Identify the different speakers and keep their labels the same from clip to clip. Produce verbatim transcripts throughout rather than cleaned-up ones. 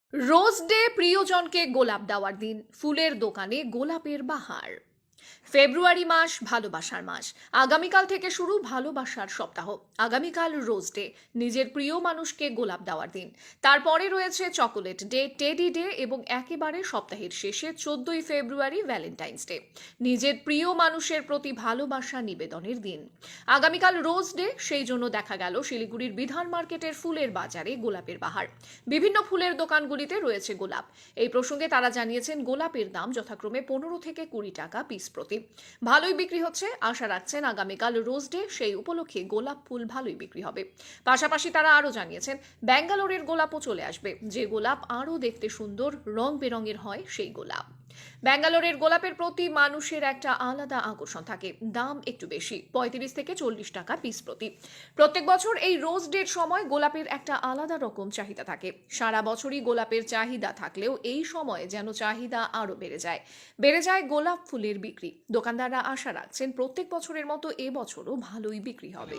Speaker 1: Rose day প্রিয়জনকে গোলাপ দেওয়ার দিন, ফুলের দোকানে গোলাপের বাহার। ফেব্রুয়ারি মাস ভালোবাসার মাস। আগামীকাল থেকে শুরু ভালোবাসার সপ্তাহ। আগামীকাল রোজ ডে, নিজের প্রিয় মানুষকে গোলাপ দেওয়ার দিন। তারপরে রয়েছে চকোলেট ডে, টেডি ডে এবং একেবারে সপ্তাহের শেষে চোদ্দই ফেব্রুয়ারি ভ্যালেন্টাইন্স ডে, নিজের প্রিয় মানুষের প্রতি ভালোবাসা নিবেদনের দিন। আগামীকাল রোজ ডে, সেই জন্য দেখা গেল শিলিগুড়ির বিধান মার্কেটের ফুলের বাজারে গোলাপের বাহার। বিভিন্ন ফুলের দোকানগুলিতে রয়েছে গোলাপ। এই প্রসঙ্গে তারা জানিয়েছেন, গোলাপের দাম যথাক্রমে পনেরো থেকে কুড়ি টাকা পিস প্রতি। ভালোই বিক্রি হচ্ছে, আশা রাখছেন আগামীকাল রোজ ডে, সেই উপলক্ষে গোলাপ ফুল ভালোই বিক্রি হবে। পাশাপাশি তারা আরও জানিয়েছেন, ব্যাঙ্গালোরের গোলাপও চলে আসবে, যে গোলাপ আরও দেখতে সুন্দর, রং বেরঙের হয় সেই গোলাপ। ব্যাঙ্গালোরের গোলাপের প্রতি মানুষের একটা আলাদা আকর্ষণ থাকে, দাম একটু বেশি, পঁয়ত্রিশ থেকে চল্লিশ টাকা পিস প্রতি। প্রত্যেক বছর এই রোজ ডের সময় গোলাপের একটা আলাদা রকম চাহিদা থাকে। সারা বছরই গোলাপের চাহিদা থাকলেও এই সময় যেন চাহিদা আরও বেড়ে যায় বেড়ে যায় গোলাপ ফুলের বিক্রি। দোকানদাররা আশা রাখছেন, প্রত্যেক বছরের মতো এবছরও ভালোই বিক্রি হবে।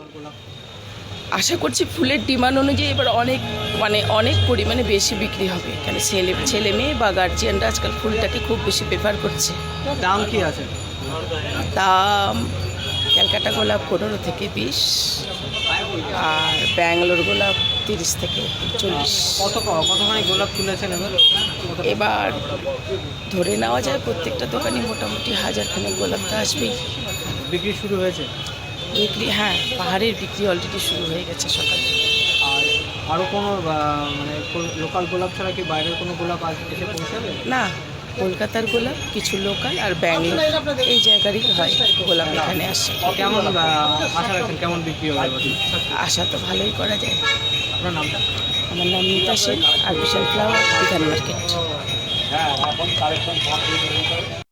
Speaker 2: আশা করছি ফুলের ডিমান্ড অনুযায়ী এবার অনেক মানে অনেক পরিমাণে বেশি বিক্রি হবে, কেন ছেলে ছেলে মেয়ে বা গার্জিয়ানরা আজকাল ফুলটাকে খুব বেশি প্রেফার করছে।
Speaker 3: দাম কি আছে?
Speaker 2: দাম ক্যালকাটা গোলাপ পনেরো থেকে বিশ, আর ব্যাঙ্গালোর গোলাপ তিরিশ থেকে চল্লিশ।
Speaker 3: কত কতখানি গোলাপ তুলেছেন এবার?
Speaker 2: এবার ধরে নেওয়া যায় প্রত্যেকটা দোকানে মোটামুটি হাজারখানেক গোলাপ তো আসবেই।
Speaker 3: বিক্রি শুরু হয়েছে?
Speaker 2: বিক্রি, হ্যাঁ, পাহাড়ের বিক্রি অলরেডি শুরু হয়ে গেছে সকালে।
Speaker 3: আর আরও কোনো মানে লোকাল গোলাপ ছাড়া কি বাইরের কোনো গোলাপ আজ এসে পৌঁছাবে?
Speaker 2: না, কলকাতার গোলাপ, কিছু লোকাল আর ব্যাঙ্গালোর এই জায়গারই হয় গোলাপ এখানে আসে।
Speaker 3: কেমন আশা রাখছেন, কেমন বিক্রি হবে?
Speaker 2: আশা তো ভালোই করা যায়।
Speaker 3: আপনার নামটা?
Speaker 2: আমার নাম Mita Sen, artificial flower, Bidhan market.